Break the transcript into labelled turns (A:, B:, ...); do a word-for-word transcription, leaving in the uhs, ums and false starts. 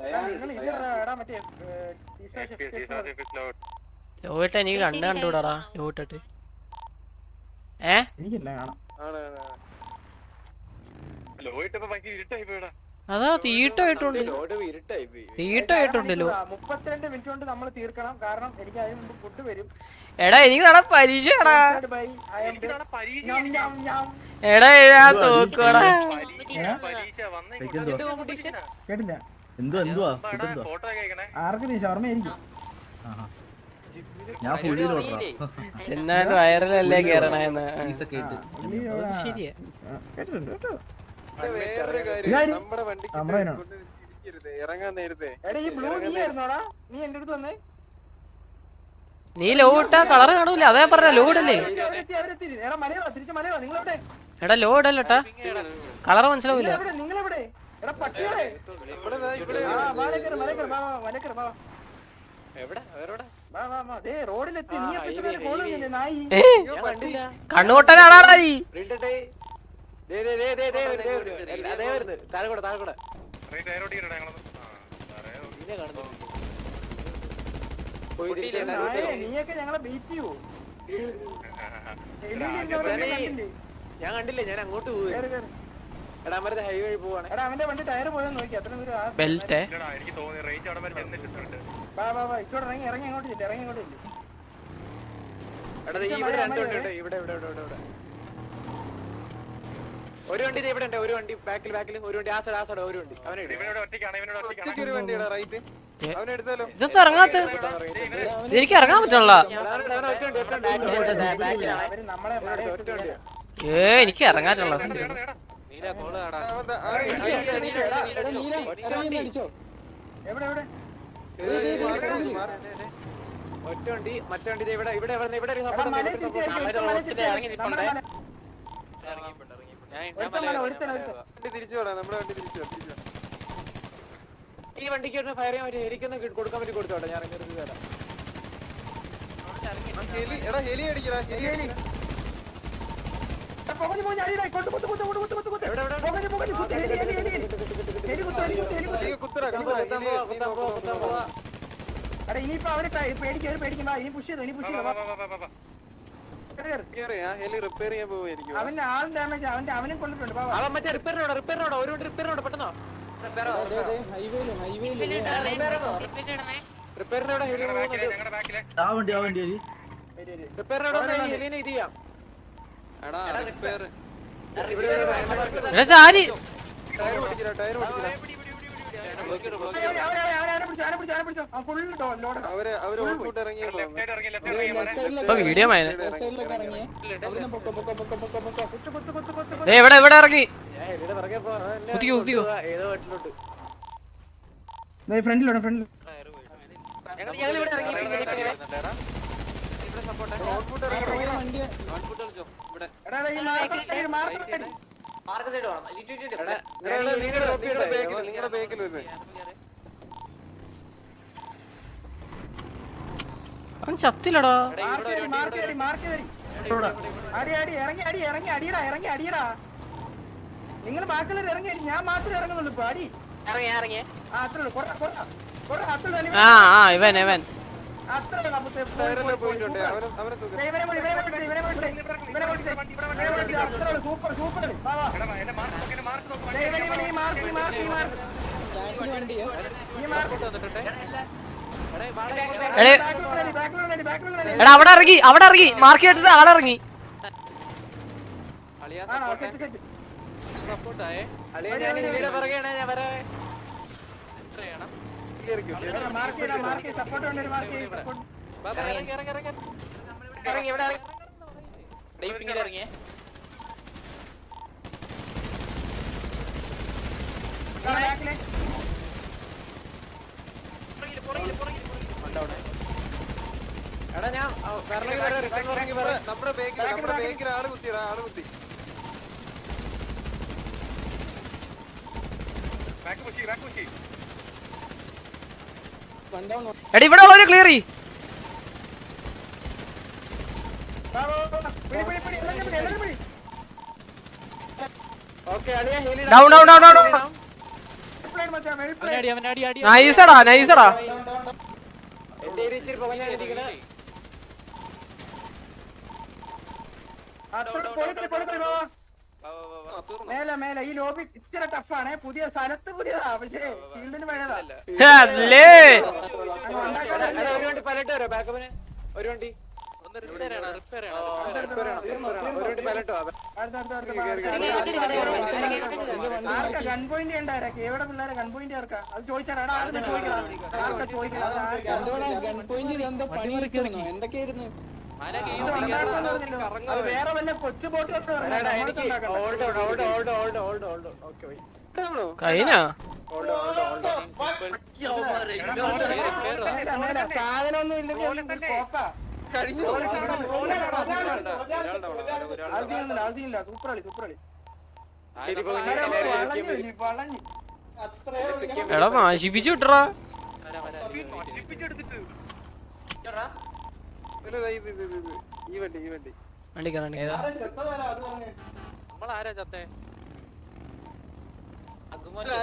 A: ലോയിട്ട് എനിക്ക് കണ്ണ് കണ്ടുകൂടാടാ ലോയിട്ടിട്ട്. ഏ അതാ തീട്ടായിട്ടുണ്ട് തീട്ടായിട്ടുണ്ടല്ലോ.
B: മുപ്പത്തിരണ്ട് മിനിറ്റ് കൊണ്ട് നമ്മൾ തീർക്കണം, കാരണം എനിക്ക് അതിന് മുമ്പ് ഫുഡ് വരും.
A: എടാ എനിക്ക് നാളെ പരീക്ഷയാടാ. എടാ ഞാൻ തോക്കുവാടാ.
C: കേട്ടില്ല എന്തുവാ എന്തുവാ ആർക്ക് ശർമ്മയായിരിക്കും. ഞാൻ ഫുള്ളിൽ
A: എന്നാലും വയറിലല്ലേ കേറണേന്ന്. ശരിയാ. നീ ലോട്ടാ കളറ് കാണൂല, അതേ പറഞ്ഞ ലോഡല്ലേ. എടാ ലോഡല്ലോട്ടാ, കളറ് മനസ്സിലാവൂല. കണ്ണുകൊട്ടനാടാ നീ.
B: നീയൊക്കെ ഞങ്ങളെ ബീറ്റ് ചെയ്യൂ. ഞാൻ കണ്ടില്ലേ, ഞാൻ അങ്ങോട്ട് പോയി. എടാ അവരുടെ ഹൈവേ വഴി പോവാണ്. എടാ അവന്റെ വണ്ടി ടയർ പോയെന്ന് നോക്കി. അത്ര ദൂരം
A: ബെൽറ്റ്
B: ഇറങ്ങി ഇറങ്ങി അങ്ങോട്ട് ചെല്ലു, ഇറങ്ങി അങ്ങോട്ട് ചെല്ലു. എടാ ഇവിടെ രണ്ട് വണ്ടി ഉണ്ട്, ഇവിടെ ഇവിടെ ഇവിടെ ഇവിടെ ഒരു വണ്ടി ഇവിടെ ഉണ്ട്, ഒരു വണ്ടി ബാക്കിൽ ബാക്കിൽ ഒരു വണ്ടി ആ സൈഡ് ആ സൈഡ് ഒരു വണ്ടി. അവനെ ഒരു വണ്ടിയുടെ റൈറ്റ് അവനെടുത്താലോ.
A: ഇതൊക്കെ ഇറങ്ങാത്ത എനിക്ക് ഇറങ്ങാൻ പറ്റണല്ല. ഏ എനിക്ക് ഇറങ്ങാറ്റുള്ള
B: ഒറ്റ വണ്ടി മറ്റേ വണ്ടി ഇവിടെ ഇവിടെ ഇവിടെ തിരിച്ചു വിടാം. നമ്മുടെ വണ്ടി തിരിച്ചു ഈ വണ്ടിക്ക് ഫയർ ചെയ്യാൻ പറ്റും. എനിക്കൊന്ന് കൊടുക്കാൻ വേണ്ടി കൊടുത്തോട്ടെ. ഞാൻ ഇറങ്ങി തരാം. എടാ ഹെലി അടിക്കടാ, ഹെലി അടി. ഇനിയിപ്പോ അവര് പേടിക്കും, അവര് പേടിക്കുമ്പോ ഇനി പുഷ് ചെയ്തു, ഇനി പുഷ് ചെയ്തു. അവന്റെ ആൾ ഡാമേജ് അവന്റെ അവനും കൊണ്ടിട്ടുണ്ട്. അവൻ മറ്റേ റിപ്പയറിനോട് റിപ്പയറിനോട് ഒരു റിപ്പയറിനോട് പെട്ടെന്നോ റിപ്പയറിനോട് ഇത് ചെയ്യാം.
A: വീഡിയോ എവിടെ എവിടെ ഇറങ്ങി
C: ഫ്രണ്ടിലോട്ട് ഫ്രണ്ടിൽ
A: അവൻ ചത്തില്ലടാ.
B: നിങ്ങൾ ബാക്കിയുള്ളവർ ഇറങ്ങി, ഞാൻ മാത്രമേ ഇറങ്ങുന്നുള്ളൂ. ഇപ്പൊ അടി
A: ആ ആ ഇവൻ ഇവൻ
B: സൂപ്പർ സൂപ്പർ.
A: എടാ അവിടെ ഇറങ്ങി അവിടെ ഇറങ്ങി മാർക്ക് ചെയ്തിട്ട് അവിടെ ഇറങ്ങി.
B: എടാ ഞാൻ നമ്മുടെ ബേക്കിൽ ആള് കുത്തിയടാ, ആള് കുത്തി.
A: എടാ ഇവിടെ ഉള്ളവര് ക്ലിയർ ചെയ്യ്. ഡൗൺ ഡൗൺ ഡൗൺ ഡൗൺ നൈസടാ നൈസടാ
B: എന്റെ ഏരിയ ഇച്ചിരി പുകഞ്ഞാടിയിരിക്കണേ.
C: മേലെ മേലെ ഈ ലോബി ഇച്ചിരി ടഫാണ്. പുതിയ സ്ഥലത്ത് പുതിയതാ, പക്ഷേ ഫീൽഡിന് പഴയതാ.
A: അല്ലേ
B: ഒരു വണ്ടി പലട്ട് വരാം ബാക്കപ്പിന്. ഒരു വണ്ടി ഒരു വണ്ടി പലട്ടോ.
C: ആർക്കാ ഗൺ പോയിന്റ് ഉണ്ടായിരിക്കും? എവിടെ പിള്ളേരെ ഗൺ പോയിന്റ് ആർക്കാ? അത് ചോദിച്ചാടാ. ആർക്കാ ചോദിക്കണം? ആർക്കാ ചോദിക്കണം?
B: എന്തൊക്കെയായിരുന്നു
C: വേറെ വല്ല കൊച്ചു ബോട്ട്
A: കഴിഞ്ഞാ
C: സാധനമൊന്നും ഇല്ലെങ്കിൽ സൂപ്പറളി സൂപ്പറളി വളഞ്ഞു.
A: എടാ നശിപ്പിച്ചു വിട്ടറാ.
B: ഈ വണ്ടി ഈ വണ്ടി
A: വണ്ടിക്കാ
B: നമ്മളാരാ ചത്തേ?